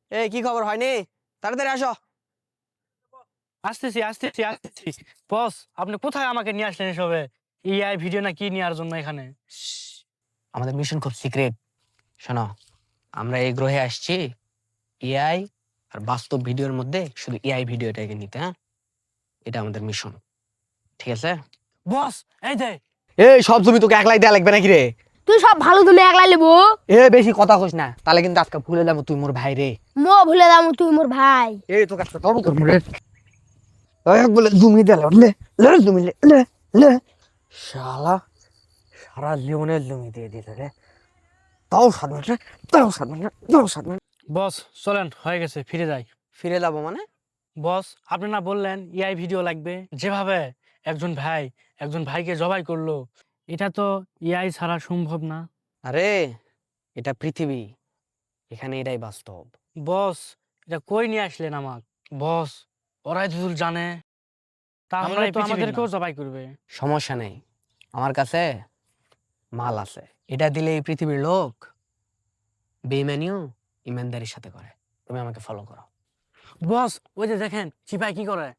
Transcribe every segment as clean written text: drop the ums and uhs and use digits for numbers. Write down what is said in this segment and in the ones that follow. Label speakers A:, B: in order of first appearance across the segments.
A: এই কি খবর হয়নি? তাড়াতাড়ি আসো।
B: আসতেছি আসতেছি আসতেছি। বস, আপনি কোথায় আমাকে নিয়ে আসলেন এসবে? এআই ভিডিও না কি নেওয়ার জন্য এখানে?
A: শ্শ্, আমাদের মিশন খুব সিক্রেট। শোনো, আমরা এই গ্রহে আসছি এআই আর বাস্তব ভিডিওর মধ্যে শুধু এআই ভিডিওটাকে নিতে। হ্যাঁ, এটা আমাদের মিশন, ঠিক আছে?
B: বস, এই যে
A: এই সব জমি তোকে একলাই দেয়া লাগবে নাকি রে?
C: তুই সব ভালো তুমি একলা লেবো।
A: এ বেশি কথা কইস না, তাহলে কিন্তু আজকে ভুলে যাবো তুই মোর ভাই রে।
C: মো ভুলে দাম তুই মোর ভাই।
A: এই তোকে একটা তর্ক করবো রে। এক বলে জমি দেয়া লে লে জমি লে লে লে শালা সারা জীবনের জমি দিয়ে দিল রে। তাও 7 মিনিট রে, তাও 7 মিনিট রে, তাও 7 মিনিট।
B: বস, চলেন, হয়ে গেছে, ফিরে যাই।
A: ফিরে যাবো মানে?
B: বস, আপনি না বললেন এআই ভিডিও লাগবে? যেভাবে একজন ভাইকে জবাই করলো, এটা তো এআই ছাড়া সম্ভব না।
A: আরে এটা পৃথিবী, এখানে এটাই বাস্তব।
B: বস, এটা কই নিয়ে আসলেন আমাক? বস, ওরাই যদি জানে তাহলে তো আমাদেরকেও জবাই করবে।
A: সমস্যা নেই, আমার কাছে মাল আছে। এটা দিলে এই পৃথিবীর লোক বেইমানিও ইমানদারির সাথে করে। তুমি আমাকে ফলো করো।
B: বস, ওই যে দেখেন সিপাই কি করে।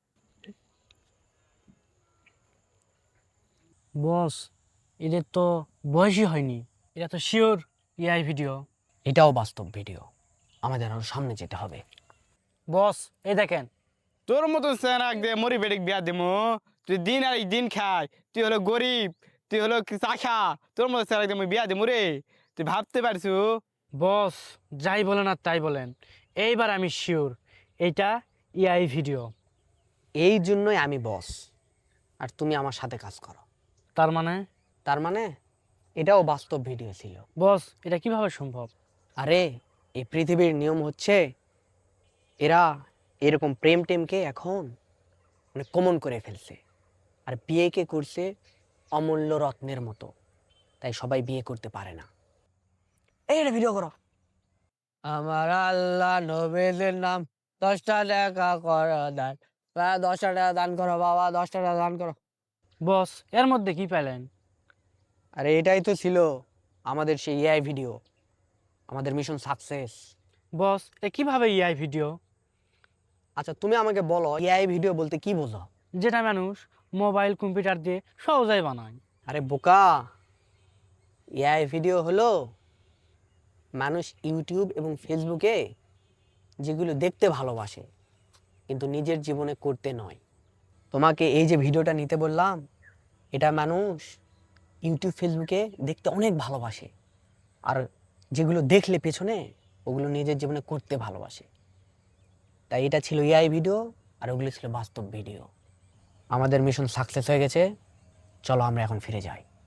B: বস, এদের তো বয়সই হয়নি, এটা তো শিওর এআই ভিডিও।
A: এটাও বাস্তব ভিডিও, আমাদের আরো সামনে যেতে হবে।
B: বস, এই দেখেন।
D: তোর মতো সেনাক দিয়ে মরি বেডিক বিয়া দিমু। তুই দিন আর দিন খায়, তুই হলো গরিব, তুই হলো চাখা। তোর মতো সেনাক দিয়ে বিয়া দিমু রে? তুই ভাবতে পারছু?
B: বস, যাই বলেন আর তাই বলেন, এইবার আমি শিওর এইটা এআই ভিডিও।
A: এই জন্যই আমি বস, আর তুমি আমার সাথে কাজ করো।
B: তার মানে?
A: তার মানে এটাও বাস্তব ভিডিও ছিল।
B: বস, এটা কিভাবে সম্ভব?
A: আরে এই পৃথিবীর নিয়ম হচ্ছে, এরা এরকম প্রেম টেমকে এখন মানে কমন করে ফেলছে, আর বিয়েকে করছে অমূল্য রত্নের মতো। তাই সবাই বিয়ে করতে পারে না। এই এটা ভিডিও করো। আমার আল্লাহ নবীদের নাম 10টা টাকা করো দান। 10টা টাকা দান করো বাবা, 10টা টাকা দান করো।
B: বস, এর মধ্যে কি পেলেন?
A: আরে এটাই তো ছিল আমাদের সেই এআই ভিডিও, আমাদের মিশন সাকসেস।
B: বস, এ কিভাবে এআই ভিডিও?
A: আচ্ছা তুমি আমাকে বলো, এআই ভিডিও বলতে কি বোঝো?
B: যেটা মানুষ মোবাইল কম্পিউটার দিয়ে সহজেই বানায়।
A: আরে বোকা, এআই ভিডিও হলো মানুষ ইউটিউব এবং ফেসবুকে যেগুলো দেখতে ভালোবাসে কিন্তু নিজের জীবনে করতে নয়। তোমাকে এই যে ভিডিওটা নিতে বললাম, এটা মানুষ ইউটিউব ফেসবুকে দেখতে অনেক ভালোবাসে, আর যেগুলো দেখলে পেছনে ওগুলো নিজের জীবনে করতে ভালোবাসে। তাই এটা ছিল এআই ভিডিও, আর ওগুলো ছিল বাস্তব ভিডিও। আমাদের মিশন সাকসেস হয়ে গেছে, চলো আমরা এখন ফিরে যাই।